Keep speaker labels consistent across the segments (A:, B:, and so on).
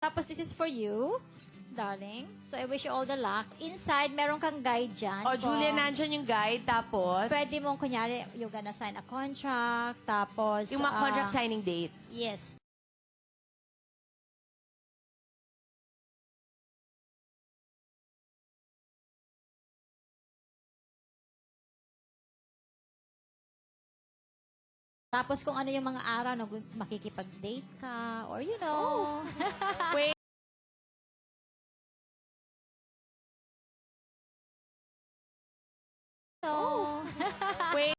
A: Tapos this is for you, darling. So I wish you all the luck. Inside, meron kang guide dyan.
B: O, Julia,
A: kung
B: nandyan yung guide, tapos...
A: Pwede mong, kunyari, you're gonna sign a contract, tapos...
B: Yung mga contract signing dates.
A: Yes. Tapos kung ano yung mga araw na makikipag-date ka, or you know.
B: Wait.
A: So,
B: Wait.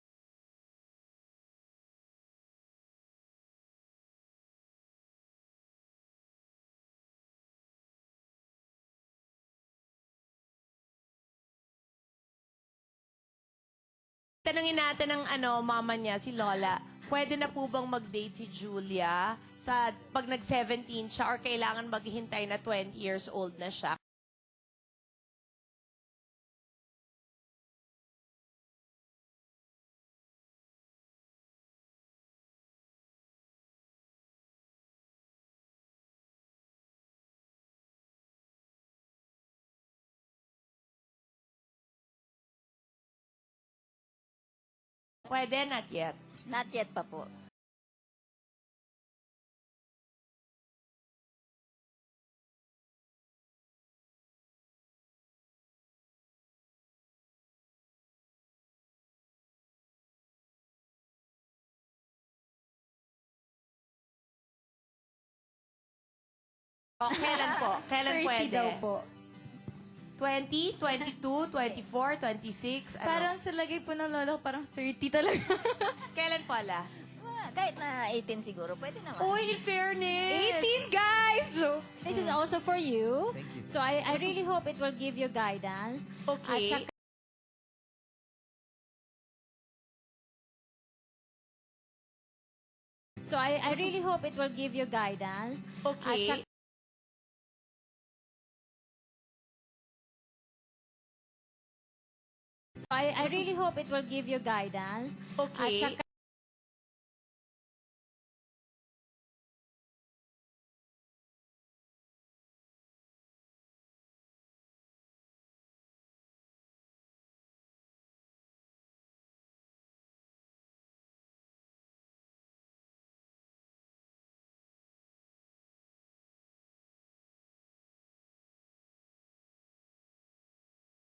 B: Tanungin natin ng mama niya, si Lola. Pwede na po bang mag-date si Julia sa pag nag-17 siya or kailangan maghintay na 20 years old na siya? Pwede, not yet.
C: Not yet pa po.
B: O, kailan po? Kailan
C: 30
B: pwede?
C: daw po.
B: 20, 22, 24, 26? Ano?
C: Parang sa lagay po ng lolo, parang 30 talaga.
B: Kailan po, ala?
C: Kahit na 18 siguro, pwede naman.
B: Uy, in fairness!
C: 18, guys! So,
A: this is also for you. Thank you. So I really hope it will give you guidance.
B: Okay.
A: At saka, so I really hope it will give you guidance.
B: Okay.
A: At saka, so I really hope it will give you guidance.
B: Okay.
A: At saka,